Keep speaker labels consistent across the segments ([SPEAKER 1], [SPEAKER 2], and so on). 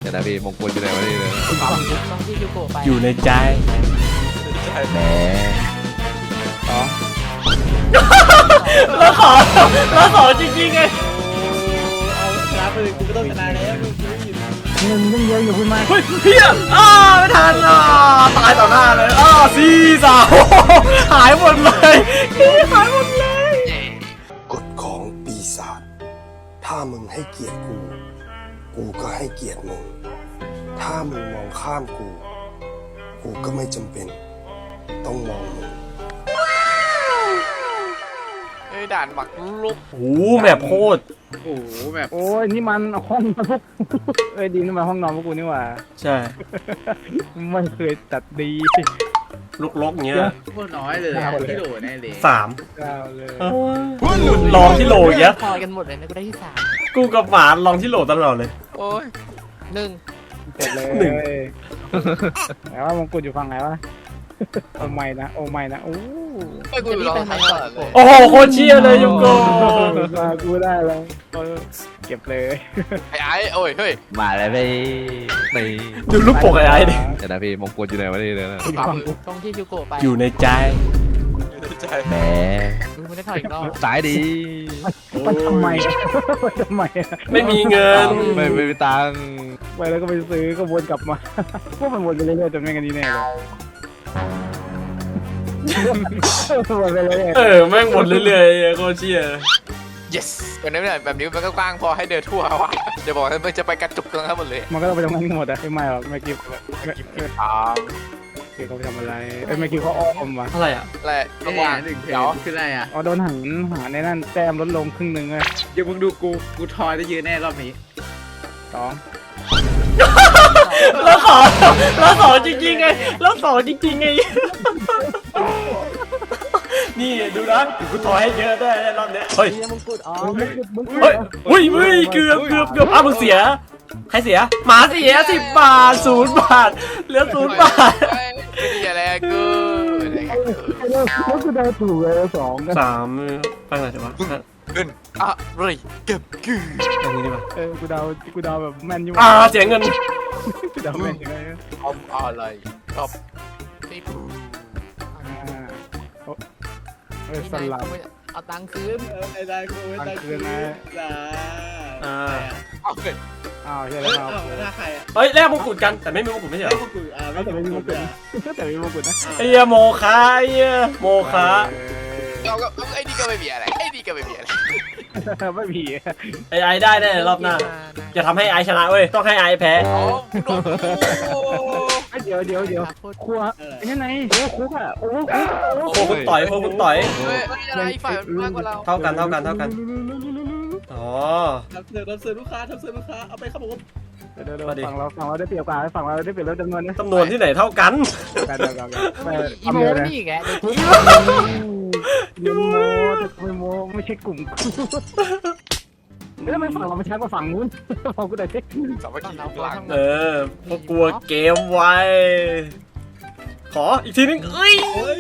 [SPEAKER 1] ดี๋ยวนะพี่มงกุฎอยู่ไหนวะนี่เลย
[SPEAKER 2] ตรงที่ยูโกะไป
[SPEAKER 3] อยู่ในใจ
[SPEAKER 1] แหม
[SPEAKER 3] แล้วขอจริงๆไง
[SPEAKER 4] เอาชนะไปเลยกูก็ต้องชนะแล้วมึง
[SPEAKER 2] ยังเยอะอยู่คุณมา
[SPEAKER 3] เฮ้ยเฮียไม่ทันตายต่อหน้าเลย4-3หายหมดเลยหายหมดเลย
[SPEAKER 5] กฎของปีศาจถ้ามึงให้เกียรติกู กูก็ให้เกียรติมึง ถ้ามึงมองข้ามกู กูก็ไม่จำเป็น ต้องมองมึง
[SPEAKER 1] ด่านหมักลุก
[SPEAKER 3] โอ้โหแบบโคตร
[SPEAKER 4] โอ้โหแบบ
[SPEAKER 2] โอ้ยนี่มันห้องนอนพวกดีนี่มันห้องนอนพวกกูนี่หว่า
[SPEAKER 3] ใช่
[SPEAKER 2] ไม่เคยตัดดี
[SPEAKER 3] ลกๆเงี้ย
[SPEAKER 4] พวกน้อยเลยที่โหลแน่เลย
[SPEAKER 3] 3
[SPEAKER 2] ก้าวเลย
[SPEAKER 3] ลองที่โหลอย่างเงี้ย
[SPEAKER 2] พอกันหมดเลยนะกูได้ที่3
[SPEAKER 3] กูกับหมาลองที่โหลตลอดเลย
[SPEAKER 1] โอ้ย
[SPEAKER 2] เสร็จเลยแล้วว่ามงกุฎอยู่ฝั่งไหนวะโอ้ไม่นะโอ้ไม่นะโอ้
[SPEAKER 1] ไม่กูอยู่รอท้ายก่อนเลย
[SPEAKER 3] โอ้โหโคตรเชี่ยเลยยุงโก
[SPEAKER 2] มากูได้แล้วเก็บเลย
[SPEAKER 1] ไอ้โอ้ยเฮ้ยมาแล้วไป
[SPEAKER 3] ดูรูปปกไอ้ดิ
[SPEAKER 1] เดี๋ยวนะพี่มงกุฎอยู่ไหนวะนี่เลยนะ
[SPEAKER 2] ตรงที่ยูโกะไป
[SPEAKER 3] อยู่ในใจ
[SPEAKER 1] แหม
[SPEAKER 2] มึงไม่ได้ถอยอีกรอบ
[SPEAKER 1] สายดี
[SPEAKER 2] มันทำไมทำไม
[SPEAKER 3] ไม่มีเงิน
[SPEAKER 1] ไม่มีตังค์
[SPEAKER 2] ไปแล้วก็ไปซื้อก็วนกลับมาพวกมันวนไปเรื่อยๆจนไม่กันดีแน่เลยวนไปเรื่อย
[SPEAKER 3] แม่งหมดเรื่อยๆโคตรเชี่ย
[SPEAKER 1] yes แบบนี้แบบนี้มันก็กว้างพอให้เดินทั่วว่ะเดี๋ยวบอกให้มันจะไปกระจุกตรงนั้นหมดเลย
[SPEAKER 2] มันก็ต้องไปตรงนั้นหมดอะไม่หรอกไม่กิฟเขาไปทำอะไรไม่กิฟเขาอ้อมว่ะ
[SPEAKER 3] อะไรอ่ะ
[SPEAKER 1] แหละระหว่างเดี๋ยว
[SPEAKER 4] คืออะไรอ่ะ
[SPEAKER 2] อ๋อโดนหาในนั่นแต้มลดลงครึ่งหนึ่งเลย
[SPEAKER 4] เดี๋ยวมึงดูกูทอยได้ยืนแน่รอบนี้
[SPEAKER 2] 2
[SPEAKER 3] แล้วขอจริงๆไงนี่ดูนะกูถอยให้เยอะได้รอบเนี้ยเฮ้ย
[SPEAKER 2] มงกุฎอ๋อ
[SPEAKER 3] เฮ้ยเกือบมึงเสียใครเสียหมาเสีย10 บาท0 บาทเหลือ0 บาท
[SPEAKER 1] ไม่ดีอะไรกู
[SPEAKER 2] แล้วกูได้ถูกเลย2กัน
[SPEAKER 3] 3ไปไหนดีวะ
[SPEAKER 1] ขึ้นอะไรเก็บกือ
[SPEAKER 3] ตรงนี้ดีกว่า
[SPEAKER 2] กูเดาแบบแม่นอยู่
[SPEAKER 3] เสียเงิน
[SPEAKER 2] กูเดาแม่นยังไง
[SPEAKER 1] ทำอะไรชอบที่
[SPEAKER 2] สลับ
[SPEAKER 6] เอาตังค์คืน
[SPEAKER 4] ไอ้ได้กูไอ้ได้กูจ้า
[SPEAKER 1] เอาเงิน
[SPEAKER 2] อ้าวใช่
[SPEAKER 4] เฮ้
[SPEAKER 2] แล้
[SPEAKER 4] ยว เอาหน้าใครอ่ะ
[SPEAKER 3] เฮ้ยแลกมงกุฎกันแต่ไม่มีมงกุฎไม่ใช่เหรอ
[SPEAKER 4] ไม่กูไม่
[SPEAKER 2] แต่ไม่มีมงกุฎนะแต่ไม่มีมงกุฎนะ
[SPEAKER 3] ไอ้เหี้ยโมคะโมคะ
[SPEAKER 1] เราก็ไอ้นี่ก็ไม่มีอะไรไอ้นี่ก็ไม่มีอะไร
[SPEAKER 2] ไม่มี
[SPEAKER 3] ไอ้ได้แน่รอบหน้าจะทำให้ไอชนะเว้ยต้องให้ไอแพ้
[SPEAKER 1] อ๋อโดน
[SPEAKER 2] เดี๋ยวครัวไอ้นั่นไงโอ้คุกอ่ะโอ้คุก
[SPEAKER 3] โคคุณต่อย
[SPEAKER 1] เฮ้ยอะไรฝ่ายมากกว่าเรา
[SPEAKER 3] เท่ากันอ๋อ
[SPEAKER 4] ทำเสิร์ฟลูกค้าเอาไปครับผม
[SPEAKER 2] เดี๋ยวฝั่งเราได้เปรียบกว่าฝั่งเราได้เปรียบแล้วจำนวนนะ
[SPEAKER 3] จำนวนที่ไหนเท่ากัน
[SPEAKER 6] อีโมนี่อีกแก
[SPEAKER 2] ไม่ใช่กลุ่มแล้วทำไมฝั่งเราไม่ช้ากว่าฝั่งนู้นพอกูได้เช็ค
[SPEAKER 1] สามัคคีหลัง
[SPEAKER 3] พวกกลัวเกมไวขออีกทีนึงเอ้ย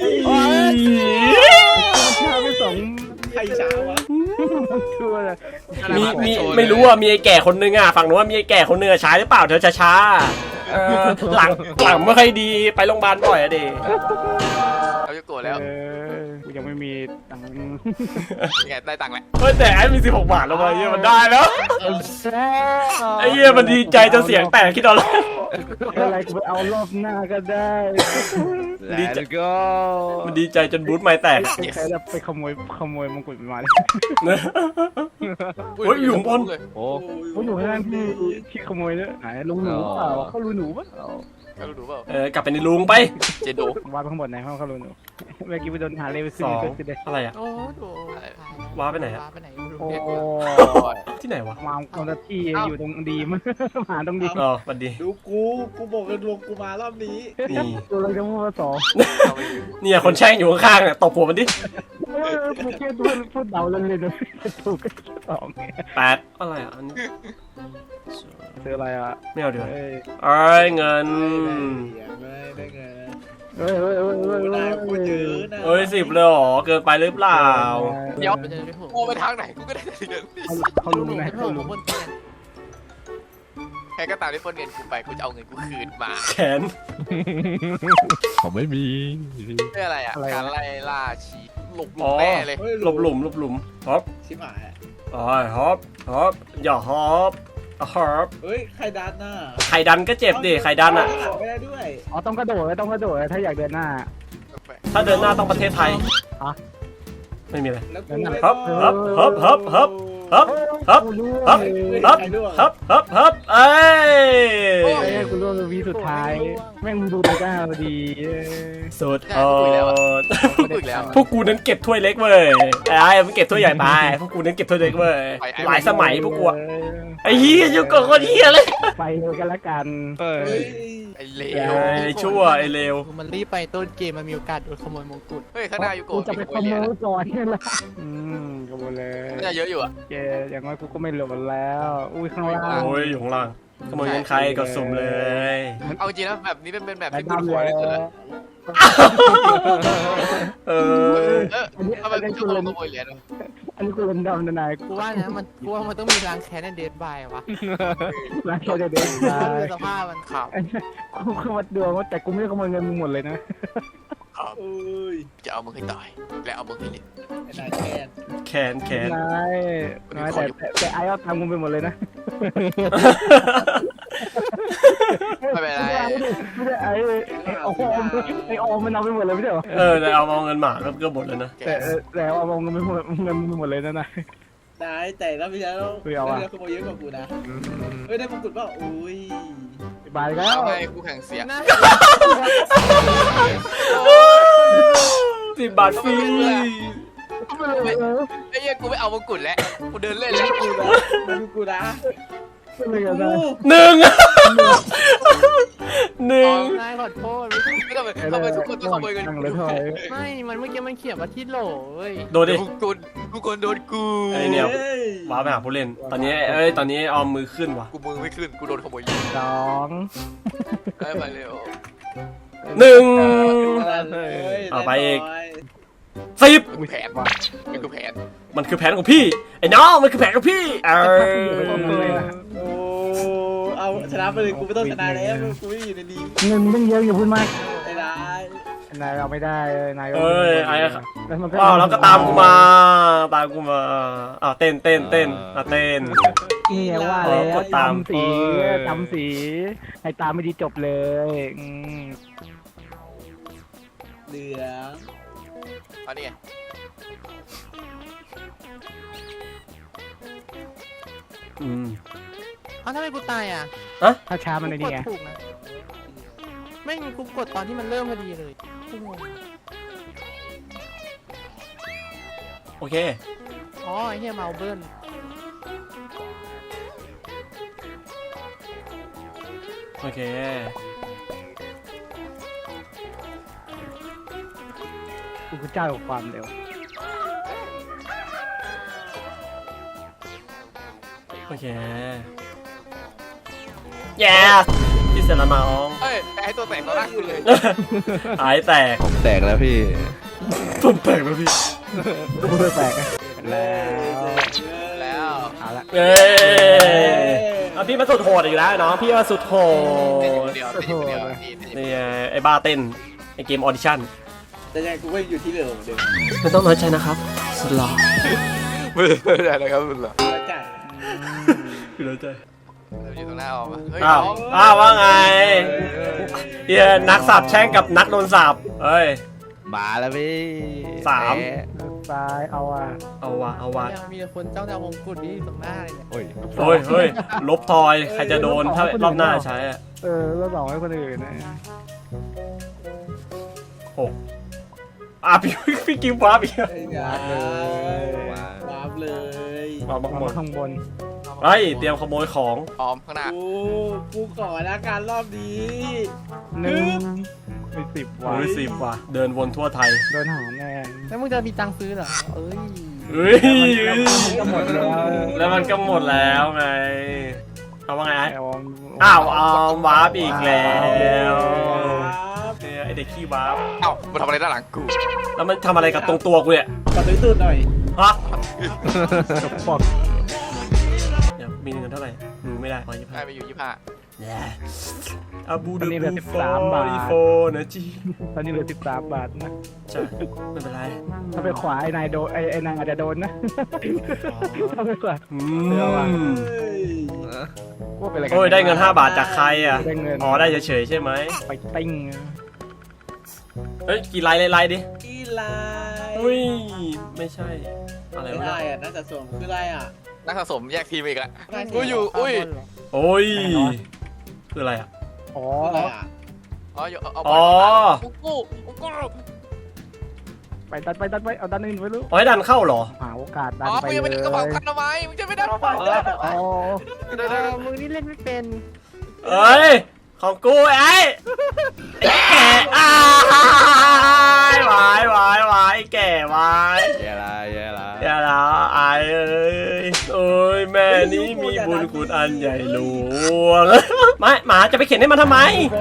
[SPEAKER 2] ช้าไป2
[SPEAKER 4] ใครช้าวะ
[SPEAKER 2] ชัวร์เลย
[SPEAKER 3] มีไม่รู้อ่ะมีไอ้แก่คนนึงอ่ะฝั่งนู้นมีไอ้แก่คนนึงอ่ะช้าหรือเปล่าเธอช้าหลังไม่ค่อยดีไปโรงพยาบาลบ่อยอะดิ
[SPEAKER 1] เราจะโกรธแล้ว
[SPEAKER 2] กูยังไม่มีตังค์
[SPEAKER 1] ไงได้ตังค์แล้ว
[SPEAKER 3] เฮ้ยแต่ไอ้มี16 บาทแล้วมาเฮียมันได้แล้วไอ้เฮียมันดีใจจนเสียงแตกคิดเอาเลย
[SPEAKER 2] อะไรกูไปเอารอบหน้าก็ได้
[SPEAKER 3] ดีใจมันดีใจจนบูทไม่แตก
[SPEAKER 2] ใครจะไปขโมยมงกุฎมาเลย
[SPEAKER 3] เฮ้ยอยู่ข้างบน
[SPEAKER 1] โอ้
[SPEAKER 2] ผมอยู่ข้างล่างที่ขโมยเนี่ยไหนลุงหนูเปล่าเขาลุงหนูปะ
[SPEAKER 1] ก็รู้เปล่าก
[SPEAKER 3] ลับไปในลุงไป
[SPEAKER 1] เจโด
[SPEAKER 2] วาดข้างบนไหนห้องเขาลุงหนูเมื่อกี้ไปโดนหาเลเวลซึ่งก็คือได้
[SPEAKER 3] อะไรอ่ะ
[SPEAKER 6] โอ้โห
[SPEAKER 3] ว้าไปไหนอะ
[SPEAKER 6] ว้าไปไหน
[SPEAKER 2] โอ้
[SPEAKER 3] ที่ไหนวะ
[SPEAKER 2] วางคนละที่อยู่ตรงดีมหาตรงดี
[SPEAKER 3] อ๋อสวัสดี
[SPEAKER 4] ดูกูบอกเลยดวงกูมารอบนี้
[SPEAKER 3] นี่
[SPEAKER 2] ตัวเราจะพูดว่า2
[SPEAKER 3] เนี่ยคนแช่งอยู่ข้างๆอ่ะตบหัวมันดิ
[SPEAKER 2] พูดแค่พูดเดาเล่นเลยนะถูกก็2
[SPEAKER 3] 8อะไรอ่ะอันนี้
[SPEAKER 2] ซื้ออะไรอ่ะ
[SPEAKER 3] ไม่เอาเดี๋ยว
[SPEAKER 2] เอ้ย
[SPEAKER 3] เอ้ยเงิน
[SPEAKER 4] ไม่ได้เงิน
[SPEAKER 2] เฮ้ย
[SPEAKER 4] ได้กูเยอะนะ
[SPEAKER 3] เอ้ย10เลยเหรอเกินไปหรือเปล่า
[SPEAKER 1] เดี๋ยว
[SPEAKER 6] ไปเจอได้ผม
[SPEAKER 1] โอ้ไปทางไหนกูก็ได้เงิน
[SPEAKER 2] เขาลุงนะ
[SPEAKER 6] เขา
[SPEAKER 2] เขา
[SPEAKER 6] ล
[SPEAKER 2] ลุ
[SPEAKER 6] ง
[SPEAKER 2] ง
[SPEAKER 6] บนเตียง
[SPEAKER 1] ใครรก็ตามที่ปล้นเงินกูไปกูจะเอาเงินกูคืนมา
[SPEAKER 3] แขน
[SPEAKER 7] ผมไม่มี
[SPEAKER 1] เพื่ออะไรอ่ะ
[SPEAKER 2] อะไรวะ
[SPEAKER 1] การไล่ล่าชีหลบหลุ
[SPEAKER 3] อ๋
[SPEAKER 1] ม
[SPEAKER 3] อ
[SPEAKER 1] แน่เลย
[SPEAKER 3] หลบหลุมหลบหลุมฮอป
[SPEAKER 4] ชิบหายอะ
[SPEAKER 3] อ๋อฮอปฮอปอย่าฮอปฮอป
[SPEAKER 4] เฮ้ยใครดันน่ะ
[SPEAKER 3] ไข่ดันก็เจ็บดิไข่ดันอ่ะ
[SPEAKER 4] ขอไม่ได้ด้วย
[SPEAKER 2] อ๋อต้องกระโดดต้องกระโดดถ้าอยากเดินหน้า
[SPEAKER 3] ถ้าเดินหน้าต้องประเทศไทย
[SPEAKER 2] ฮะ
[SPEAKER 3] ไม่มีอะไร
[SPEAKER 4] แล้วกู
[SPEAKER 2] นั่น
[SPEAKER 4] ไม่
[SPEAKER 2] น่ะ
[SPEAKER 3] ฮับฮับฮับฮับฮับฮับฮับ
[SPEAKER 2] กูรู้
[SPEAKER 3] ฮับ
[SPEAKER 2] เอ้ย
[SPEAKER 3] ฮับฮับฮับฮับเอ้ย
[SPEAKER 2] กูรู้วีสุดท้าย แม่งดูดีก้าพอดีเอ้ย
[SPEAKER 3] สุดโหด
[SPEAKER 1] พูดอีกแล้ว
[SPEAKER 3] พวกกูนั้นเก็บถ้วยเล็กเว้ยไอ้มันเก็บถ้วยใหญ่ไปพวกกูนั้นเก็บถ้วยเล็กเว้ยหลายสมัยพวกกูอะไอ้เหี้ยอยู่กับคนเหี้ยเลย
[SPEAKER 2] ไปเลยกันละกัน
[SPEAKER 4] เฮ้ย
[SPEAKER 1] ไอ้เล
[SPEAKER 3] ไอ้ชั่วไอ้เลว
[SPEAKER 6] มันรีบไปต้นเกมมันมีโอกาสโดนขโมยมงกุฎ
[SPEAKER 1] เฮ้ยข้างหน้าอยู่โก
[SPEAKER 2] กูจะไปขโมยก่อนนี่แหละขโมยเลย
[SPEAKER 1] น่าจะเยอะอยู่อ่ะ
[SPEAKER 2] เจอย่างน้อยกูก็ไม่หลบแล้ว อุ้ยข้างล่าง
[SPEAKER 3] โอ้ยอยู่ข้างล่างขโมยเงินใครก็สุ่มเลย
[SPEAKER 1] เอาจริงนะแบบนี้เป็นแบบ
[SPEAKER 2] ไอ้
[SPEAKER 1] ที่กู
[SPEAKER 2] ดำ
[SPEAKER 1] ขอ
[SPEAKER 2] เล
[SPEAKER 1] เลย ยสุดเลย
[SPEAKER 3] เออ
[SPEAKER 1] ทำไมกูจะขโมยเหรียญ
[SPEAKER 2] อันนี้กูเป็นดำนะนาย
[SPEAKER 6] กูว่านะกูว่ามันต้องมีรางแค้นในเดดบายวะ
[SPEAKER 2] ร้านแค่เด็กๆ
[SPEAKER 6] ดู
[SPEAKER 2] ได้
[SPEAKER 6] สภาพมันขาว
[SPEAKER 2] กูเข้ามาดวงว่าแต่กูไม่ได้ขโมยเงินมึงหมดเลยนะ
[SPEAKER 4] โอ้ย
[SPEAKER 1] จะเอามึงให้ตายและเอามึงให้เละ
[SPEAKER 4] ไอ้นายแค้น
[SPEAKER 3] แขนแขน
[SPEAKER 2] นายแต่ไอ้เอาตังค์มึงไปหมดเลยนะ
[SPEAKER 1] ไม่เป็นไร
[SPEAKER 2] ไม่ได้ไอ้ออมไอ้ออมมันเอาไปหมดเลยไม่ใช่เหรอ
[SPEAKER 3] แต่เอาเงินหมาก็หมดแล้วนะ
[SPEAKER 2] แต่เอาเงินไปหมดเงินมึงหมดเลยนะนาย
[SPEAKER 4] นายแต่แล้วพี่แล้ว
[SPEAKER 2] เฮ้ยเอาอะ
[SPEAKER 4] ขโมยเยอะกว่ากูนะเฮ้ยได้มงกุฎเปล่าอุ้ย
[SPEAKER 2] บายแล้ว
[SPEAKER 1] เอาไงกูแข่งเสียง
[SPEAKER 6] นะ
[SPEAKER 3] 10 บาทฟรี
[SPEAKER 1] ไอ้เหี้ยกูไม่เอามงกุฎแล้วกูเดินเล่นแล้ว
[SPEAKER 4] กูนะดูกูนะ
[SPEAKER 2] ไม่กันนะ
[SPEAKER 3] หนึ่งหนึ่ง
[SPEAKER 6] นายขอโทษ
[SPEAKER 1] ไม่ต้องไปทำไมทุกคนต้องขโมยเงิน
[SPEAKER 2] นั่ง
[SPEAKER 1] กู
[SPEAKER 2] เลยถอย
[SPEAKER 6] ไม่มันเมื่อกี้มันเขียนว่าที่โหลเว้ย
[SPEAKER 3] โดนดิ
[SPEAKER 1] ทุกคนโดนกู
[SPEAKER 3] ไอ้เนี่ย
[SPEAKER 4] ฮ้
[SPEAKER 3] ว้าไปหาผู้เล่น ตอนนี้ตอนนี้เอามือขึ้นว่ะ
[SPEAKER 1] กูมือไม่ขึ้นกูโดนขโมยเหรียญ
[SPEAKER 2] สอง
[SPEAKER 1] ได้ไปเร็ว
[SPEAKER 3] หนึ่ง
[SPEAKER 4] เฮ้ย
[SPEAKER 3] เอาไปอีก
[SPEAKER 4] น้ย
[SPEAKER 3] 10
[SPEAKER 1] กูแผนมันกูแผน
[SPEAKER 3] มันคือแผนของพี่ ไอ้น้องมันคือแผนของพี่
[SPEAKER 4] โอ้เอาชนะไปเลยกูไม่ต้องชนะแล้วกูไม่อยู่ในนี้
[SPEAKER 2] เงินต้องเยอะอย่าพูดมาก
[SPEAKER 4] ไอ้นาย
[SPEAKER 2] นายเอาไม่ได้นาย
[SPEAKER 3] ว้าวแล้วก็ตามกูมาอ้าวเต้นเต้น
[SPEAKER 2] นี่ว่าแล้วตามสีให้ตามไม่ดีจบเลย
[SPEAKER 4] เหลือง
[SPEAKER 1] เอานี่ไง
[SPEAKER 6] เอ้าทำไมกูตายอ่ะ
[SPEAKER 2] ถ้าช้ามันใน
[SPEAKER 6] ก
[SPEAKER 2] นี่
[SPEAKER 6] ด
[SPEAKER 2] ไง
[SPEAKER 6] ถูกนะไม่กูกดตอนที่มันเริ่มพอดีเลยกูงง
[SPEAKER 3] โอเค
[SPEAKER 6] อ๋อไอ้เฮียเมาเบิ้ล
[SPEAKER 3] โอเค
[SPEAKER 2] กูคือเจ้าของความเร็ว
[SPEAKER 3] โอเคแย่พี่เสร็จแล้วน้อง
[SPEAKER 1] เอ้ยไอ้ตัวแตกตัวแรกกูเลย
[SPEAKER 3] หายแตก
[SPEAKER 7] ผมแตกแล้วพี่
[SPEAKER 3] ผมแตกแล้วพี่
[SPEAKER 2] กูเลยแปลกแล้ว
[SPEAKER 1] แล้ว
[SPEAKER 2] เอาละ
[SPEAKER 3] เอ้ยพี่มาสุดโหดอีกแล้วน้องพี่มาสุดโห
[SPEAKER 1] เต้น
[SPEAKER 3] ด
[SPEAKER 1] คนเดียวเต้นคนเดียวนี่
[SPEAKER 3] นี่ไอ้บ้าเต้นไอ้เกมออดิชั่น
[SPEAKER 4] แต่ยังไงกูก็อยู่ที่เดิมเหมือนเดิม
[SPEAKER 3] ไม่ต้องน้อยใจนะครับ สุดหล่อ
[SPEAKER 1] ไม่ได้นะครับคุณหรอ
[SPEAKER 4] แล้วจ้ะ
[SPEAKER 3] คือน้อยใจ
[SPEAKER 1] อยู่ตรงหน้าออกมาเฮ้ย
[SPEAKER 3] อ้าวว่าไงเฮียนักสาบแช่งกับนักโดนสาบเฮ้ย
[SPEAKER 7] มาแล้วพี่
[SPEAKER 3] สาม
[SPEAKER 2] ซ้ายเอาอ่ะ
[SPEAKER 3] เอาวะ
[SPEAKER 6] ยังมีคนเจ้าดาวมงกุฎนี่ตรงหน้าเลยเนี่ย
[SPEAKER 7] โอ้ย
[SPEAKER 3] เฮ้ยลบทอยใครจะโดนถ้ารอบหน้าใช้อะ
[SPEAKER 2] แล้วสองให้คนอื่นนะ
[SPEAKER 3] พี่กิฟต์วาร์ปอีก
[SPEAKER 4] ไอ้ยายวาบเลย
[SPEAKER 3] วาร์ป
[SPEAKER 2] มา
[SPEAKER 3] ข้างบน
[SPEAKER 2] ข้างบน
[SPEAKER 3] เฮ้ยเตรียมขโมยของ
[SPEAKER 1] พร้อมข้างหน้า
[SPEAKER 4] กูขอละการรอบนี้
[SPEAKER 2] 1ไป10วัน
[SPEAKER 3] รู้สิบว่ะเดินวนทั่วไทย
[SPEAKER 2] โดนหาแน่
[SPEAKER 6] แล้วมึงจะมีตังค์ซื้อเหรอเอ้ย
[SPEAKER 3] เฮ้ย
[SPEAKER 2] ก็หมดแล้ว
[SPEAKER 3] แล้วมันก็หมดแล้วไงเอาว่าไงไอ้
[SPEAKER 2] เอา
[SPEAKER 3] อ้าววาร์ปอีกแล้ว
[SPEAKER 4] ครับ
[SPEAKER 3] เนี่ยไอเด็กขี้วาร์ป
[SPEAKER 1] เอ้ามาทำอะไรด้านหลังกู
[SPEAKER 3] แล้วมันทำอะไรกับตรงตัวกูเนี่ย
[SPEAKER 4] ขอตื้อๆหน่อย
[SPEAKER 3] ฮะ
[SPEAKER 2] ปอก
[SPEAKER 3] เดี๋ยวมีเงินเท่าไหร่ดูไม่ได้ขอ25
[SPEAKER 1] ได้ไปอยู่25
[SPEAKER 3] อาบู
[SPEAKER 2] ตอนนี้เหลือ
[SPEAKER 3] ดู
[SPEAKER 2] 13 บาท
[SPEAKER 3] โฟนะจี
[SPEAKER 2] ตอนนี้เหลือ13 บาทนะ
[SPEAKER 3] ใช่ไม่เป็นไร
[SPEAKER 2] ถ้าไปขวาไอ้นายโดนไอ้นางอาจจะโดนนะถ้าไปขวา
[SPEAKER 3] อื
[SPEAKER 2] เดี๋ยวว่ะ
[SPEAKER 3] ม
[SPEAKER 2] ว่าเป็นอะไรกั
[SPEAKER 3] โอ้ยได้เงิน5 บาทจากใครอ่ะ
[SPEAKER 2] ได้เงิน
[SPEAKER 3] อ๋อได้เฉยๆใช่ไหม
[SPEAKER 2] ไปติ้ง
[SPEAKER 3] เฮ้ยกี่ไลน์ไลน์ดิ
[SPEAKER 4] อีไลน์
[SPEAKER 3] อุ้ยไม่ใช่อะไร
[SPEAKER 4] ไม่
[SPEAKER 3] วะ
[SPEAKER 4] ได้อ่ะน่าจะส่งคืออะไรอ่ะ
[SPEAKER 1] นักสะสมแยกทีมอีกแล้ว
[SPEAKER 4] ได้สิ
[SPEAKER 1] กูอยู่อุ้ย
[SPEAKER 3] โอ้ยคืออะไรอ่ะ
[SPEAKER 2] อ๋อ
[SPEAKER 4] คืออะไรอ่ะ
[SPEAKER 1] อ๋ออยู่เอา
[SPEAKER 3] อ๋อ
[SPEAKER 1] กู
[SPEAKER 2] ไปดันไปเอาดันอื่นไปรู้
[SPEAKER 3] อ๋อให้ดันเข้าเหรอ
[SPEAKER 2] หาโอกาสดัน
[SPEAKER 1] อ๋อ
[SPEAKER 2] ไป
[SPEAKER 1] มึงยัง
[SPEAKER 2] เล
[SPEAKER 1] ไม่
[SPEAKER 2] ย
[SPEAKER 1] ได้กระเป๋าคันทำไมมึงจะไม่ได้กระเป๋า
[SPEAKER 2] อ๋อ
[SPEAKER 6] มึงนี่เล่นไม่เป็น
[SPEAKER 3] เอ้ยของกูไอ้แก่อ้าวายแก่วาย
[SPEAKER 7] แย่ละแย่ละ
[SPEAKER 3] อย่าละไอ้เอ้ยโอ้ยแม่นี้มีบุญคุณอันใหญ่หลวงไม่หมาจะไปเข็นให้มันทำไม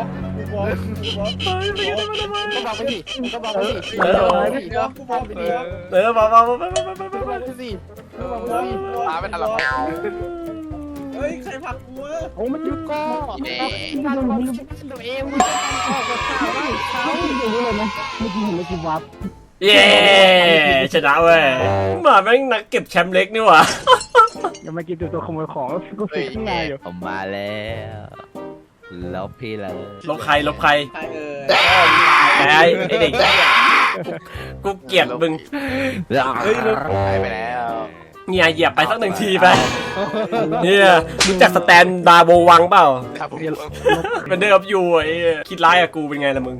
[SPEAKER 6] ก็บอกไปดิก็บอกไปดิ
[SPEAKER 3] เออ
[SPEAKER 4] กูบอกไปดีครับ
[SPEAKER 3] เออมา
[SPEAKER 6] ก็บอกไปสิก็บอกไปสิ
[SPEAKER 1] พาไปทันหรอก
[SPEAKER 4] เฮ้ยใครผลักกูวะ
[SPEAKER 2] โอ้มันยุบ
[SPEAKER 6] ก็การความคิดตัวเองมึงออกกับข่าวได้เขา
[SPEAKER 2] อยู่เลยนะเมื่อกี้เห็นเมื่อกี้วับ
[SPEAKER 3] เย้ชนะเว้ยหมาแม่งนักเก็บแชมป์เล็กนี่หว่า
[SPEAKER 2] ยังไม่กินตัวขโมยของกูติดข้างในอยู่
[SPEAKER 7] ผมมาแล้วลบพี่เลย
[SPEAKER 3] ลบใคร
[SPEAKER 4] ใคร
[SPEAKER 3] ไอ้เด็กกูเกลียดมึง
[SPEAKER 4] เฮ้ยลูก
[SPEAKER 1] หายไปแล้ว
[SPEAKER 3] เนี่ยเหยียบไปสัก1 ทีไปเนี่ยรู้จักสแตนดาร์โบวังเปล่า
[SPEAKER 1] ครับผม
[SPEAKER 3] เป็นเดิมอยู่ไอ้คิดร้ายกับกูเป็นไงล่ะมึง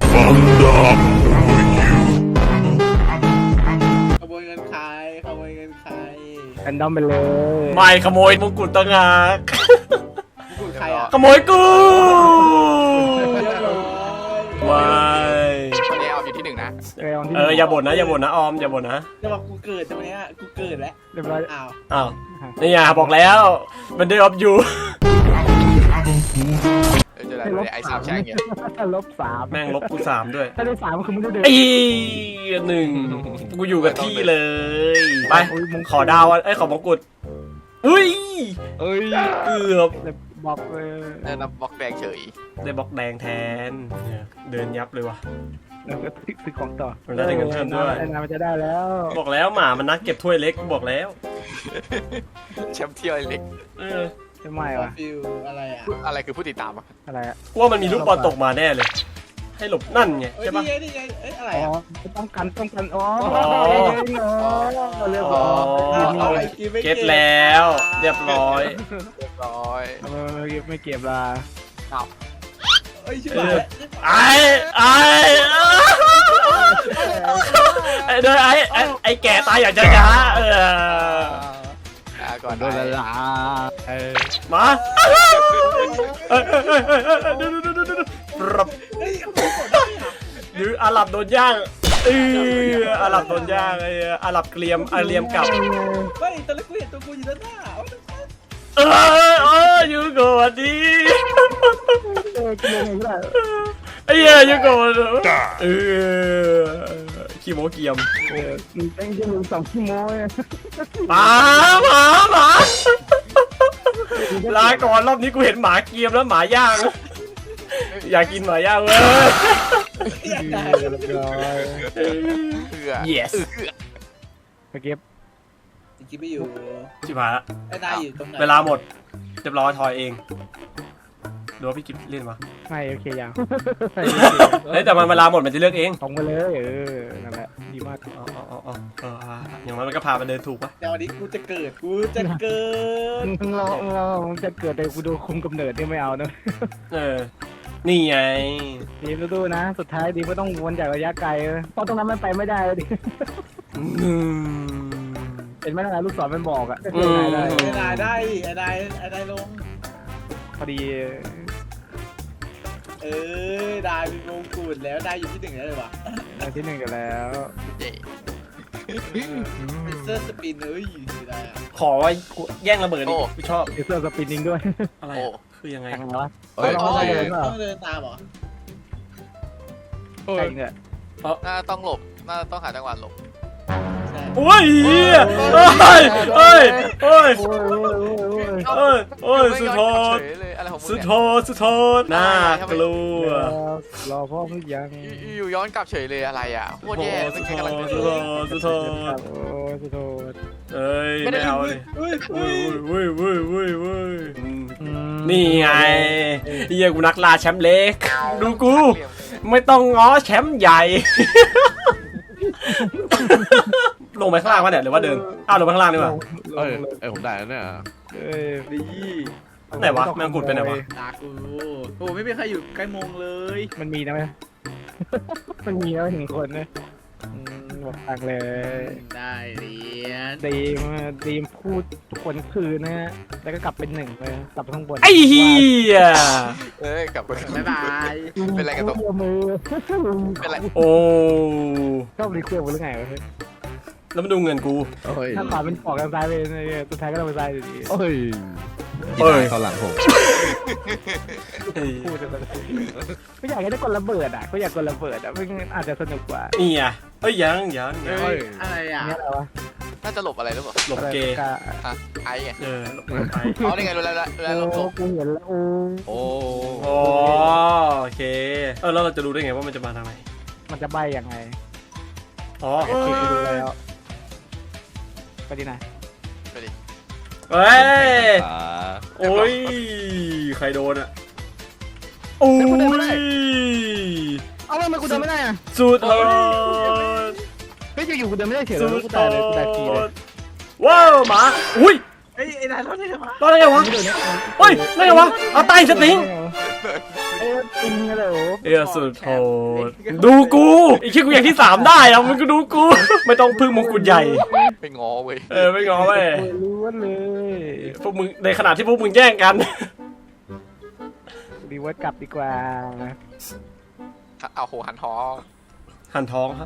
[SPEAKER 4] ขโมยเงินใครขโมยเงินใคร
[SPEAKER 2] แอนดอมไปเลย
[SPEAKER 3] ไม่ขโมยมงกุฎต่างหาก
[SPEAKER 4] กูใครอ่ะ
[SPEAKER 3] ขโมยกู
[SPEAKER 4] เรียบร้อย
[SPEAKER 3] ว้าย
[SPEAKER 1] วันนี้เอาอยู่ที่1นะ
[SPEAKER 3] อย่าบ่นนะอย่าบ่นนะออมอย่าบ่นนะ
[SPEAKER 4] จะบอกกูเกิดตรงนี้กูเกิดแล้ว
[SPEAKER 2] เรียบร้อย
[SPEAKER 4] อ้าว
[SPEAKER 3] อ้าวนี่ไงบอกแล้วมันเดิมอยู่
[SPEAKER 1] จะได้ไอ้สามแช่งเนี่ย
[SPEAKER 2] -3
[SPEAKER 3] แม่งลบกู3ด้วย
[SPEAKER 2] ถ้าได้3คือมึงได้เดิน
[SPEAKER 3] ไอ้1กูอยู่กับที่เลยไปขอดาวเอ้ยขอมงกุฎอุ้ย
[SPEAKER 7] เอ้ย
[SPEAKER 3] เกือบ
[SPEAKER 2] บอกเลย
[SPEAKER 1] ได้รับบล็อกแดงเฉย
[SPEAKER 3] ได้บล็อกแดงแทนเนี่ยเดินยับเลยว่ะ
[SPEAKER 2] แล้วก็ซื้อของต่อ
[SPEAKER 3] มันได้เงินเพิ่มด้วย
[SPEAKER 2] ไอ้นามันจะได้แล้ว
[SPEAKER 3] บอกแล้วหมามันนักเก็บถ้วยเล็กบอกแล้ว
[SPEAKER 1] แชมป์เที่ยวเล็ก
[SPEAKER 3] เออ
[SPEAKER 2] จะไม่
[SPEAKER 4] ว
[SPEAKER 2] วะ
[SPEAKER 4] ฟิลอะไรอ่ะ
[SPEAKER 1] อะไรคือผู้ติดตามอ่ะ
[SPEAKER 2] อะไรอะ
[SPEAKER 3] กูว่ามันมีลูกบอลตกมาแน่เลย ให้หลบนั่นไง
[SPEAKER 4] เฮ้ย
[SPEAKER 3] ใช่ปะ
[SPEAKER 4] นี่ไงเอ้ยอะไร
[SPEAKER 2] อ๋อ
[SPEAKER 4] อ่ะ
[SPEAKER 2] ต้องกันอ๋อ
[SPEAKER 3] อ๋อ
[SPEAKER 2] เรียบ
[SPEAKER 3] อ๋
[SPEAKER 2] ร้
[SPEAKER 3] อ
[SPEAKER 2] อย
[SPEAKER 3] เก็ตแล้วเรียบร้อย
[SPEAKER 1] เรียบร้อย
[SPEAKER 2] ไม่เก็บละ
[SPEAKER 4] เฮ้ยชิบหาย
[SPEAKER 3] ไอ้เด้อไอ้แก่ตายอย่างช้าๆ
[SPEAKER 1] ก่อน
[SPEAKER 7] โดนละลา
[SPEAKER 3] มา
[SPEAKER 4] เฮ้ยเขาบอกได้อ่ะ
[SPEAKER 3] หรืออาหรับโดนย่างอาหรับโดนย่างไอ้อาหรับเกลียมอาเลียมกลับ
[SPEAKER 4] เฮ้ยตอนแรกกูเห็นตัวกูอยู่ด้านหน้า
[SPEAKER 3] ยูโกะดี
[SPEAKER 2] กินยังไงก็ได้
[SPEAKER 3] ไอ้เหี้ยยูโกะขี้โมเกียม
[SPEAKER 2] มึงเต้นแค่มึง2 ชั่วโมง
[SPEAKER 3] หมาลาก่อนรอบนี้กูเห็นหมาเกียมแล้วหมาย่างอยากกินหมาย่างเว้ย
[SPEAKER 4] อยากได้
[SPEAKER 2] เรียบร้อย
[SPEAKER 1] เพื่อ
[SPEAKER 3] yes
[SPEAKER 2] ไปเก็บ
[SPEAKER 4] จริงๆไม่อยู่
[SPEAKER 3] ชิบหายละ
[SPEAKER 4] ไอ้นายอยู่ตรงไหน
[SPEAKER 3] เวลาหมดเรียบร้อยทอยเองดูว่าพี่กิฟเล่นวะ
[SPEAKER 2] ไม่โอเคยัง
[SPEAKER 3] เฮ้ยแต่มันเวลาหมดมันจะเลือกเอง
[SPEAKER 2] ตรงไปเลยนั่นแหละดีมาก
[SPEAKER 3] อย่างนั้นมันก็พามันเดินถูกปะ
[SPEAKER 4] แต่วันนี้กูจะเกิด
[SPEAKER 2] มึงรอมึงจะเกิดแต่กูดูคุมกำเนิดนี่ไม่เอานะ
[SPEAKER 3] นี่ไง
[SPEAKER 2] ดีมดูนะ สุดท้ายดีไม่ต้องวนจากระยะไกลเพราะตรงนั้นมันไปไม่ได้เลยดิเห็นไหมนะลูกศรมันบอกอะได้
[SPEAKER 4] ไอ้นายได้ไอ้นายลง
[SPEAKER 2] พอดี
[SPEAKER 4] ได้เป็นมงกุฎแล้วได้อยู่ที่1แล้วเลยวะ
[SPEAKER 2] ได้ที่1กันแล้ว
[SPEAKER 1] เย่
[SPEAKER 4] เป็นเซอร์สปินได้
[SPEAKER 3] ขอว่าแย่งระเบิดนี่กูชอบ
[SPEAKER 2] เอเซอร์สปินนิ่งด้วย
[SPEAKER 3] อะไรคือยังไง
[SPEAKER 2] แข่งวะ
[SPEAKER 1] เฮ้ย
[SPEAKER 4] ต้องเดินตามเหรอ
[SPEAKER 2] ใช่เนี่ย
[SPEAKER 1] น่าต้องหลบน่าต้องหาจังหวะหลบ
[SPEAKER 4] ใช่
[SPEAKER 3] โอ้ยเฮ้ย
[SPEAKER 2] โอ้ย
[SPEAKER 3] เอ้ยโอ้ยสุดโท
[SPEAKER 1] เฉ
[SPEAKER 3] ษ
[SPEAKER 1] ยเลยอะไรของมึง
[SPEAKER 3] สุด
[SPEAKER 1] เนี่ย
[SPEAKER 3] โทษสุดโทษน่ากลัว
[SPEAKER 2] รอพ่อมึงยัง
[SPEAKER 1] อยู่ย้อนกลับเฉยเลยอะไรอ่ะโคตรแย่ไม่
[SPEAKER 3] สุด
[SPEAKER 1] ใช่
[SPEAKER 3] โท
[SPEAKER 1] กำลัง
[SPEAKER 3] ษ
[SPEAKER 1] จะ
[SPEAKER 3] สุดโทษสุดโทษ
[SPEAKER 2] โอ้สุดโทษ
[SPEAKER 3] เอ้ยไม่เอาเลย
[SPEAKER 4] เฮ้ย
[SPEAKER 3] เว้
[SPEAKER 4] เฮ้ย
[SPEAKER 3] ยเว้ยเว้ยเว้ยเว้ยนี่ไงเฮียกูนักล่าแชมป์เล็กดูกูไม่ต้องง้อแชมป์ใหญ่ ลงไปข้างล่างวะเนี่ยหรือว่าเดินอ้าวลงไปข้างล่างดีกว่า
[SPEAKER 7] เอ้ยผมได้แล้วเนี่ย
[SPEAKER 2] เอ้ย
[SPEAKER 4] ดี
[SPEAKER 3] ไหนวะแมงกุฎไปไหนวะ
[SPEAKER 4] ตากูโอ้ไม่มีใครอยู่ใกล้มงเลย
[SPEAKER 2] มันมีนะไหม มันมีแล้วถึงคนนะหมดตังเลย
[SPEAKER 4] ได้เหรียญ
[SPEAKER 2] ดีมพูดขวนคืนนะฮะแล้วก็กลับเป็นหนึ่งไปกลับไปข้างบน
[SPEAKER 3] ไอ้เฮีย
[SPEAKER 1] เอ้ยกลับไป
[SPEAKER 4] บ๊ายบาย
[SPEAKER 1] เป็นไรกันตก
[SPEAKER 2] มือ
[SPEAKER 1] เป็นไร
[SPEAKER 3] โอ้
[SPEAKER 2] ชอบรีเควสหรือไงวะเฮ้ย
[SPEAKER 3] แล้วมาดูเงินกู
[SPEAKER 7] โอ้ย
[SPEAKER 2] ถ้าขวาเป็นปอกกันซ้ายไปตัวท้ายก็ต้องไปซ้ายอยู่ดี
[SPEAKER 7] โอ้ย
[SPEAKER 3] เอ้ย
[SPEAKER 7] เขาหลังผม
[SPEAKER 2] พูดไปก็อยากให้ได้กดระเบิดอ่ะก็อยากกดระเบิดอ่ะมันอาจจะสนุกกว่า
[SPEAKER 3] นี่อ่ะเอ้ยยัง
[SPEAKER 4] เฮ้ยอะไรอ่ะ
[SPEAKER 2] เนี่ยอะไรวะ
[SPEAKER 1] น่าจะหลบอะไรหรือเปล่า
[SPEAKER 3] หลบเกย์
[SPEAKER 1] อ่ะไอ้ไง
[SPEAKER 3] หลบไป
[SPEAKER 1] อ๋อนี่ไงรู้แล้วหลบ
[SPEAKER 2] โอ้กูเห็นแล้วโอ้
[SPEAKER 7] โอ้
[SPEAKER 3] อ๋อโอเคแล้วเราจะรู้ได้ไงว่ามันจะมาทางไหน
[SPEAKER 2] มันจะใบยังไง
[SPEAKER 3] อ๋อ
[SPEAKER 2] โอเคดูแล้วไปดีนะ
[SPEAKER 1] ไปดิ
[SPEAKER 3] เฮ้ย
[SPEAKER 7] อ่า
[SPEAKER 3] โอ้ยใครโดนอ่ะโอ้ย
[SPEAKER 2] เอาทำไมกูเดินไม่ได้อ่ะ
[SPEAKER 3] สุดโทษ
[SPEAKER 2] เฮ้ยอยู่ๆกูเดินไม่ได้เฉย
[SPEAKER 3] สุ
[SPEAKER 2] เลย
[SPEAKER 3] ด
[SPEAKER 2] กู
[SPEAKER 3] โท
[SPEAKER 2] ตายเลยกูตายทีเลย
[SPEAKER 3] ษว้าวหมาอุ้ย
[SPEAKER 4] ไอ้นายรถได้ไหม
[SPEAKER 3] รอดได้ไงวะเฮ้ยได้ไงวะเอาใต้สติง
[SPEAKER 2] เอ้ยจริงเหรอ
[SPEAKER 3] เอ้ยสุดโทษดูกูไอ้คิดกูอย่างที่3ได้อะมึงก็ดูกู ไม่ต้องพึ่งมงกุฎใหญ่
[SPEAKER 1] ไปงอเว้ย
[SPEAKER 3] ไม่งอเว้ย
[SPEAKER 2] ล้วนเลย
[SPEAKER 3] พวกมึงในขณะที่พวกมึงแย่งกัน
[SPEAKER 2] รีเวิร์สกลับดีกว่า
[SPEAKER 1] เอาโหหันทอ
[SPEAKER 3] หันท้องครับ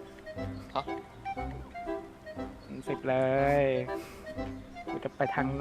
[SPEAKER 2] 10เลยกูจะไปทางไหน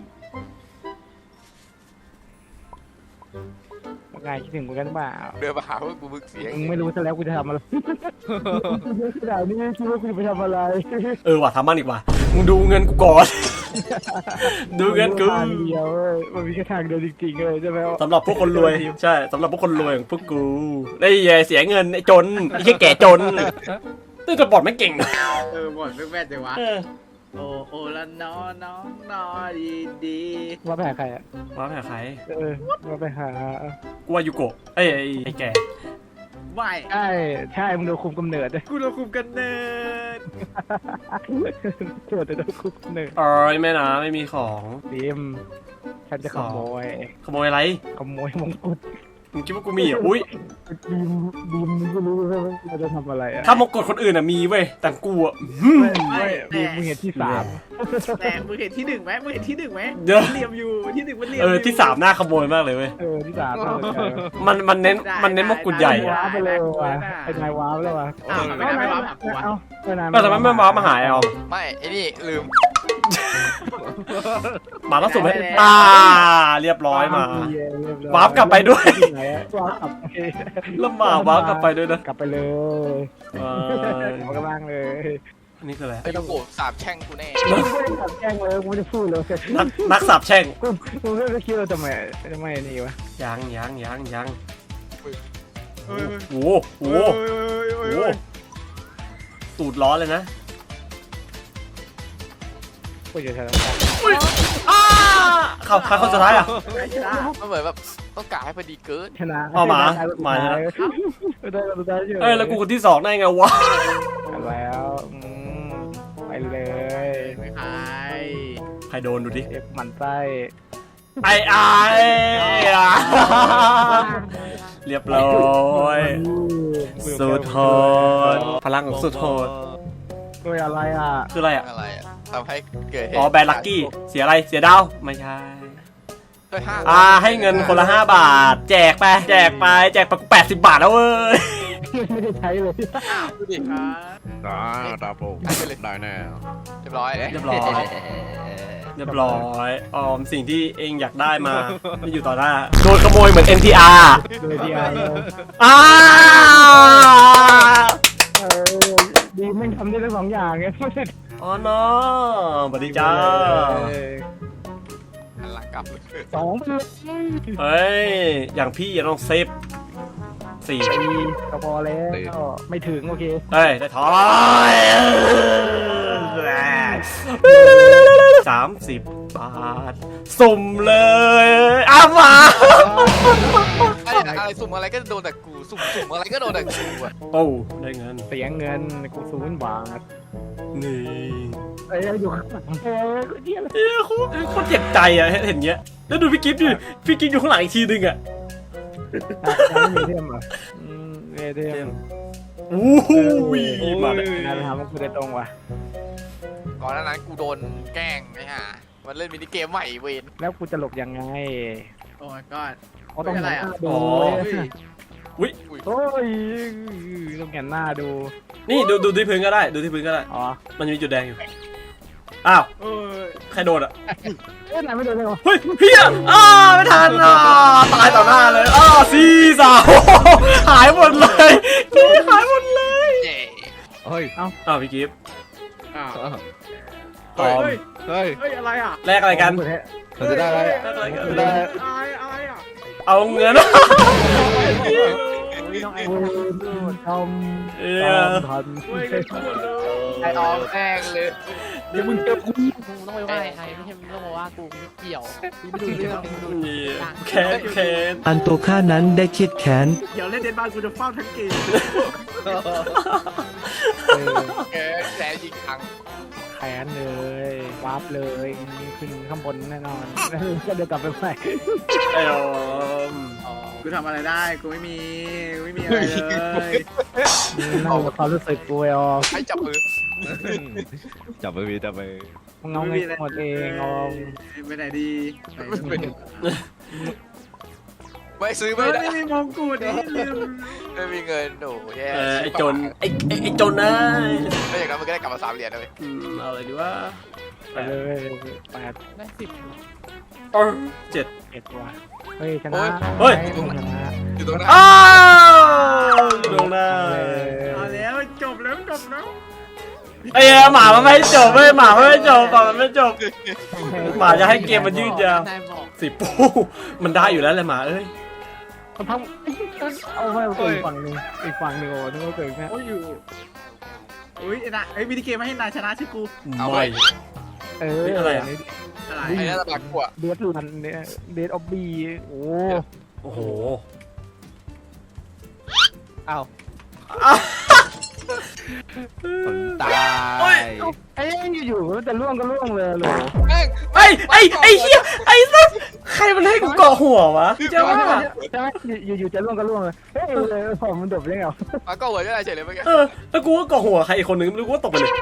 [SPEAKER 2] ว่าไงคิดถึงกูกันเปล่า
[SPEAKER 1] เดินมาหาว่ากูบึกเสียง
[SPEAKER 2] มึงไม่รู้ซะแล้วกูจะทำอะไรขนาดนี้คิดว่ากูจะไปทำอะไร
[SPEAKER 3] ว่ะทำมันอีกว่ะมึงดูเงินกูก่อน ดูเงินกู
[SPEAKER 2] ทางเดียวเว้ยมันมีแค่ทางเดียวจริงๆเลยใช่ไหม
[SPEAKER 3] สำหรับพวกคนรวยใช่สำหรับพวกคนรวยอย่างพวกกูได้เสียเงินไอ้จนไอ้แค่แก่จนนี่จะบอดไม่เก่งนะ
[SPEAKER 4] หมดแม่จังวะโอ้ละน้อดีดี
[SPEAKER 2] ว่าไปหาใครอ่ะ
[SPEAKER 3] ว่าไปหาใคร
[SPEAKER 2] ว่าไปหา
[SPEAKER 3] กูว่ายูโกะไอ้แก่
[SPEAKER 4] ไม่
[SPEAKER 2] ใช่มึงโดนคุมกำเนิด
[SPEAKER 4] กูเราคุมกันเนิน
[SPEAKER 2] โจทย์จะโดนคุมกำเนิด
[SPEAKER 3] แม่นะไม่มีของ
[SPEAKER 2] ดิมฉันจะขโมย
[SPEAKER 3] ขโมยอะไร
[SPEAKER 2] ขโมยมงกุฎ
[SPEAKER 3] มึงคิดว่ากูมีเหรออุ้ย
[SPEAKER 2] ดิมมึงก็รู้ว่าเราจะทำอะไรอ่ะ
[SPEAKER 3] ถ้ามงกฎคนอื่นอะมีเว้ยแต่กูอะ
[SPEAKER 2] ไม่ดิมมึงเห็นที่3
[SPEAKER 4] แต่มึงเห็นที่1ไหมมึงเห็นที่1ไหม
[SPEAKER 3] เดี๋ยว
[SPEAKER 4] เหลี่ยมอยู่ที่1มันเหลี่ยม
[SPEAKER 3] ที่3น่าขโมยมากเลยเว้ย
[SPEAKER 2] ที่3
[SPEAKER 3] มันเน้นมงกุฎใหญ่
[SPEAKER 2] ว้าไปเลยว่ะไอ้นายว้าไปเลยว่ะ
[SPEAKER 4] อ้าวทำไมนายไม่รับหากูวะ
[SPEAKER 3] แต่ทำไมไม่มาหาแอล
[SPEAKER 1] ไม่ไอ้นี่ลืม
[SPEAKER 3] หมาล่าสุดไหมเรียบร้อยมา วาร์ปกลับไปด้วย
[SPEAKER 2] วาร์ปกลับไป
[SPEAKER 3] แล้วหมาวาร์ปกลับไปด้วยนะ
[SPEAKER 2] กลับไปเลย ขอกำลังเลย
[SPEAKER 3] อันนี้คืออะไร
[SPEAKER 1] ไอ้ยูโกะสาบแช่งกูแน่
[SPEAKER 2] กูไม่ได้ขับแจ้งเลยกูไม่ได้พูดเลย
[SPEAKER 3] นักสาบแช่ง
[SPEAKER 2] กูไม่ได้คิดว่าทำไมนี่วะ
[SPEAKER 3] ยัง
[SPEAKER 4] เฮ้ย
[SPEAKER 3] โอ้โหตูดร้อนเลยนะ
[SPEAKER 2] กูจะทำ
[SPEAKER 3] เข้าสุดท้ายอ่ะ
[SPEAKER 1] มันเหมือนแบบต้องกะให้พอดีเกิน
[SPEAKER 2] ชนะ
[SPEAKER 3] เอาหมาชนะ
[SPEAKER 2] ได้สุดท้าย
[SPEAKER 3] แล้วกูคนที่2ได้ไงวะ
[SPEAKER 2] แล้วไปเลย
[SPEAKER 4] ไม่ใคร
[SPEAKER 3] ใครโดนดูดิ
[SPEAKER 2] เอฟมันไส้
[SPEAKER 3] ไอ้เรียบร้อยสุดโหดพลังของสุดโหด
[SPEAKER 2] ด้วยอะไรอ่ะ
[SPEAKER 3] คืออะไรอ่ะ
[SPEAKER 1] อะไรอะทำให้เกิดเหตุ
[SPEAKER 3] อ๋อแบนลักกี้เสียอะไรเสียดาวไม่ใช่
[SPEAKER 1] ด้วยห้า
[SPEAKER 3] ให้เงินคนละ5 บาท แจกไปกู80 บาทแล้วเว้ย
[SPEAKER 2] ไม่ได้ใช้เลย
[SPEAKER 1] ดูดิ
[SPEAKER 7] ตาโปได้แน่
[SPEAKER 1] เรียบร้อย
[SPEAKER 3] เรียบร้อยสิ่งที่เองอยากได้มาไม่อยู่ต่อหน้าโดนขโมยเหมือน NTR
[SPEAKER 2] โดยเดียว ดีไม่ทำได้ทั้ง2อย่างไง
[SPEAKER 3] อ๋อเนาะสวัสดีจ้า
[SPEAKER 1] หันหลังกลับเลย
[SPEAKER 2] 2ไปเลย
[SPEAKER 3] เฮ้ยอย่างพี่อย่าต้องเซฟ4
[SPEAKER 2] ก็พอแล้วไม่ถึงโอเค
[SPEAKER 3] เฮ้ยได้ทอย30 บาทสุ่มเลยอ้าวมา
[SPEAKER 1] อะไรสุ่มอะไรก็โดนแต่กูสุ่มอะไรก็โดนแต่กูอะ
[SPEAKER 3] โอ้ได้เงิน
[SPEAKER 2] เสียเงินกู0 บาท
[SPEAKER 3] นี่
[SPEAKER 2] เอ้ยอยู่ข้างหลังเดียว
[SPEAKER 3] เอ้ยโคตรเจ็บใจอะเห็นเงี้ยแล้วดูพี่กิฟต์ดิพี่กิฟต์อยู่ข้างหลังอีกทีนึงอะ
[SPEAKER 2] ไม่มีเทมอ่ะเทม
[SPEAKER 3] อู้หูมาเลย
[SPEAKER 2] นายไปทำมันกูได้ตรงว่ะ
[SPEAKER 1] ก่อนหน้านั้นกูโดนแกล้งไอ้ห่ามันเล่นมินิเกมใหม่เวน
[SPEAKER 2] แล้วกูจะหลบยังไง
[SPEAKER 4] โอ้ยก้อน
[SPEAKER 2] เขาต้องหันหน้าดู
[SPEAKER 3] อุ้ย
[SPEAKER 2] โอ้ยต้องหันหน้าดู
[SPEAKER 3] นี่ดูที่พื้นก็ได้ดูที่พื้นก็ได้
[SPEAKER 2] อ๋อ
[SPEAKER 3] มันมีจุดแดงอยู่อ้าว
[SPEAKER 4] โอ้ย
[SPEAKER 3] ใครโดนอะ
[SPEAKER 2] เอ้ยนายไม่โดนเลยวะ
[SPEAKER 3] เฮ้ยเฮียไม่ทันตายต่อหน้าเลยซีสาวหายหมดเลยหายหมดเลย
[SPEAKER 1] เย่
[SPEAKER 7] เฮ้ย
[SPEAKER 3] อ้าวพี่กิฟต์
[SPEAKER 4] อ้าว
[SPEAKER 3] ตอม
[SPEAKER 4] เฮ้ย
[SPEAKER 7] เฮ้ย
[SPEAKER 4] เฮ้ยอะไรอ่ะ
[SPEAKER 3] แลกอะไรกัน
[SPEAKER 7] เราจะได้อะไร
[SPEAKER 4] อะไรกัน
[SPEAKER 7] ได้
[SPEAKER 4] อะไรอ่ะ
[SPEAKER 3] เอาเงิน
[SPEAKER 2] น้องไอ้ทำ
[SPEAKER 3] เอ้ย
[SPEAKER 2] ทัน
[SPEAKER 4] เฮ้ยกันทุกคนเลย
[SPEAKER 1] ไอออมแกล้งเลย
[SPEAKER 2] เดี๋ยวมึงเจอกู
[SPEAKER 6] มึงต้องไปว่าไอ้ไม่ใช่มึงต้องมาว่ากูไม่เกี่ยวกูไม่ดูเรื่องมึงดู
[SPEAKER 3] นี่แค้น
[SPEAKER 8] อันตัวข้านั้นได้คิดแค้น
[SPEAKER 4] เดี๋ยวเล่นเดนบาร์กูจะเฝ้าทั้งเกม
[SPEAKER 1] แกยิงทัง
[SPEAKER 2] แขนเลยวาร์ปเลยขึ้นข้างบนแน่นอนก็เดี๋ยวกลับไปใหม่
[SPEAKER 3] ไอ้ออม
[SPEAKER 4] กูทำอะไรได้กูไม่มีอะไรเลย
[SPEAKER 2] นั่งกับความรู้สึกกูไอ้ออม
[SPEAKER 1] ให้จับมือ
[SPEAKER 7] จับมือจับมือ
[SPEAKER 2] มึงเอาเงินหมดเองออม
[SPEAKER 4] ไปไหนดี
[SPEAKER 1] ไม่ซื้อ
[SPEAKER 4] ไม่
[SPEAKER 1] ไม่ได้
[SPEAKER 4] มีมงกุฎนี่ลืม
[SPEAKER 1] ไม่มีเงินโอ้แย่
[SPEAKER 3] ไอ้จนไอ้จนนะ
[SPEAKER 1] ไม่อย่างนั้นมันก็ได้กลับมา3 เหรียญนะเว้ย
[SPEAKER 3] เอาอะไรดีวะ
[SPEAKER 2] ไปเลย8
[SPEAKER 6] ได้10
[SPEAKER 3] 7
[SPEAKER 2] 1ว่ะเฮ้ยชนะ
[SPEAKER 3] เฮ้ย
[SPEAKER 2] ชนะ
[SPEAKER 1] อยู่ตรงนั้น
[SPEAKER 3] อ้าวลงหน้า
[SPEAKER 4] เอาแล้วจบแล้ว
[SPEAKER 3] ไอ้หมามันไม่จบเว้ยหมามันไม่จบหมามันไม่จบหมาจะให้เกมมันยืดยาวน
[SPEAKER 6] ายบอก
[SPEAKER 3] 10ปูมันได้อยู่แล้วแหละหมาเอ้ย
[SPEAKER 2] มันทำเอาไว้ตัวอีกฝั่งหนึ่งโอ้นึกว่าเกิดแค่
[SPEAKER 4] โอ้ยอยู่อุ้ยนะไอ้วิดีเกมไม่ให้นายชนะชื่อกู
[SPEAKER 3] ไม่
[SPEAKER 2] เอ
[SPEAKER 3] เฮ้ย
[SPEAKER 2] อ
[SPEAKER 3] อะไรอะ
[SPEAKER 4] อะไร
[SPEAKER 1] ไอ้นั่นตะบักกว่า
[SPEAKER 2] เดดลันเนี่ยเดดออบบี้โอ้
[SPEAKER 3] โอ้โห
[SPEAKER 1] อ้าว
[SPEAKER 7] ผมตาย
[SPEAKER 2] ไอ้อยู่ๆมันจะล่วงก็ล่วงเลยเลย
[SPEAKER 1] แม่ง
[SPEAKER 3] ไอ้เหี้ยไอ้สัสใครมันให้กูเกาะหัววะเจ้าว่า
[SPEAKER 2] ใช่ไหมอยู่ๆจะล่วงก็ล่วงเลยเฮ้ยเลยผมมันดบได้ไง
[SPEAKER 1] มันก็หัวจะได้เฉยเลยเมื่อกี้
[SPEAKER 3] แล้วกูก็เกาะหัวใครอีกคนนึงไม่รู้กูก็ตกไปเลย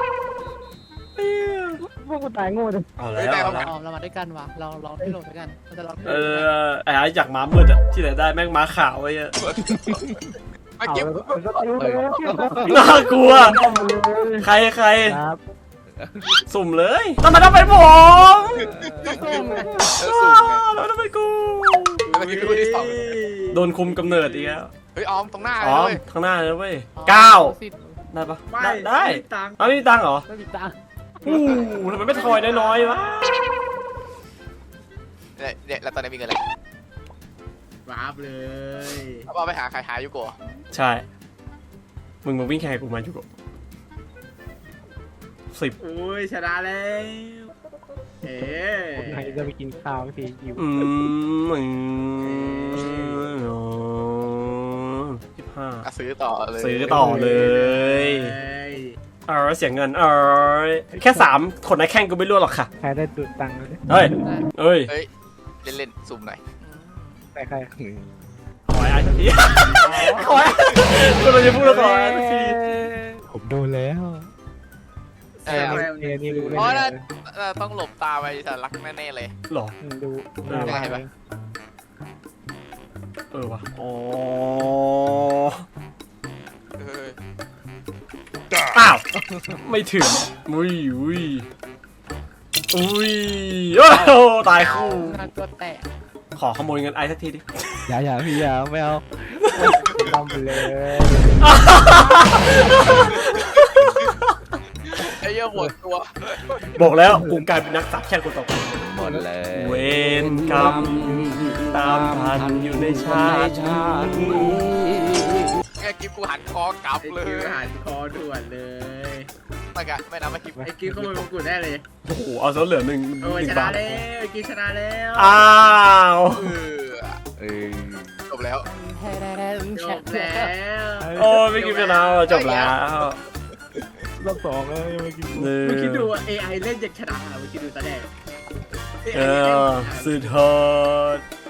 [SPEAKER 2] พวกกูตายโง่จัง
[SPEAKER 3] เอาแล้วเอาแล้ว
[SPEAKER 6] อ๋อเรามาด้วยกันวะเราที่ลงด้วยกันเราจะลอง
[SPEAKER 3] ไอ้จากม้ามืดอะที่ไหนได้แม่งม้าขาวไอ้เหี้ย
[SPEAKER 1] เมื่อกี้
[SPEAKER 2] ก็ตายเลย
[SPEAKER 3] น่ากลัวใคร
[SPEAKER 2] ครับ
[SPEAKER 3] สุ่มเลยทำไมต้องเป็นผม
[SPEAKER 1] สุ่มไง
[SPEAKER 3] แล้วต้องเป็นกู
[SPEAKER 1] เมื่อกี้คือคนที่ 2
[SPEAKER 3] โดนคุมกำเนิดอีกแล้ว
[SPEAKER 1] เฮ้ยออมตรงหน้า
[SPEAKER 3] อ๋อ
[SPEAKER 1] เลย
[SPEAKER 3] ข้างหน้าเลยเว้ย9ได้ปะ
[SPEAKER 4] ไม่
[SPEAKER 3] ได้
[SPEAKER 4] ตังค์
[SPEAKER 3] เอาไม่มีตังค์เหรอ
[SPEAKER 6] ไม่มีตังค์
[SPEAKER 3] ทำไมไม่ทอยน้อยๆวะ
[SPEAKER 1] เนี่ยแล้วตอนนี้มีเงินอะไร
[SPEAKER 4] วาร์ปเลย
[SPEAKER 1] เอาไปหาใครหายูโกะ
[SPEAKER 3] ใช่ มึงมาวิ่งแข่งกับกูมาอยู่กับ10
[SPEAKER 4] โอ้ยชนะแล้วเอ๊
[SPEAKER 2] ไหนจะไปกินข้าวทีอยู่
[SPEAKER 3] 25
[SPEAKER 1] ซื้อต่อเลย
[SPEAKER 3] ซื้อต่อเลย เสียเงินแค่3คนในแข่งกูไม่รู้หรอกค่ะ
[SPEAKER 2] ใครได้ตุดตังค์เลย
[SPEAKER 3] เฮ้ย
[SPEAKER 1] เฮ้ยเล่นๆสุ่มหน่อย
[SPEAKER 2] แต่ใคร
[SPEAKER 3] ขอไอ้สักทีขอกูเราจะพูดแล้วขอไอ้สักที
[SPEAKER 2] ผมโดนแล้ว
[SPEAKER 1] เออ
[SPEAKER 2] นี่ดู
[SPEAKER 1] เพราะน่าต้องหลบตาไปแต่รักแน่ๆเลย
[SPEAKER 3] หรอ
[SPEAKER 2] ดู
[SPEAKER 1] ได้ปะ
[SPEAKER 3] วะอ๋อ อ้าว ไม่ถึงอุ้ยโอ้โหตายคู่
[SPEAKER 6] น่ากลัวแตก
[SPEAKER 3] ขอขโมยเงินไอ้สักทีดิ
[SPEAKER 2] อย่าพี่อย่าไม่เอาทำไปเลย
[SPEAKER 1] ไอ้เหี้ยหมดตัว
[SPEAKER 3] บอกแล้วกูกลายเป็นนักสัตว์แค่คนต่อไป
[SPEAKER 7] หมดเลย
[SPEAKER 3] เวรกรรมตามทันอยู่ในชาตินี้
[SPEAKER 1] ไอ้กิฟกูหันคอกลับ
[SPEAKER 4] ไอ้
[SPEAKER 1] เลย
[SPEAKER 4] กิฟหันคอด่วนเลย
[SPEAKER 1] ไม่นะไม่กิฟ
[SPEAKER 4] ไอ้กิฟขโมยมงกุฎได้เลย
[SPEAKER 3] โอ้โหเอาซะเหลือหนึ่ง
[SPEAKER 4] โอ้ย
[SPEAKER 3] หนึ่
[SPEAKER 4] ช
[SPEAKER 3] ง
[SPEAKER 4] นะ
[SPEAKER 3] บาท
[SPEAKER 4] แล้วไอ้กิฟชนะแล้ว
[SPEAKER 3] อ้าว
[SPEAKER 1] เออ
[SPEAKER 7] เออ
[SPEAKER 1] จบแล้ว
[SPEAKER 4] จบแล้ว
[SPEAKER 3] โอ้ยไม่กินไปแล้วจบแล้ว
[SPEAKER 2] รอบสองเลยเมื่อกี้
[SPEAKER 4] เมื่อกี้ดู AI เล่นจากชนะเมื่อกี้ดูตาแดง
[SPEAKER 3] เออสุดยอด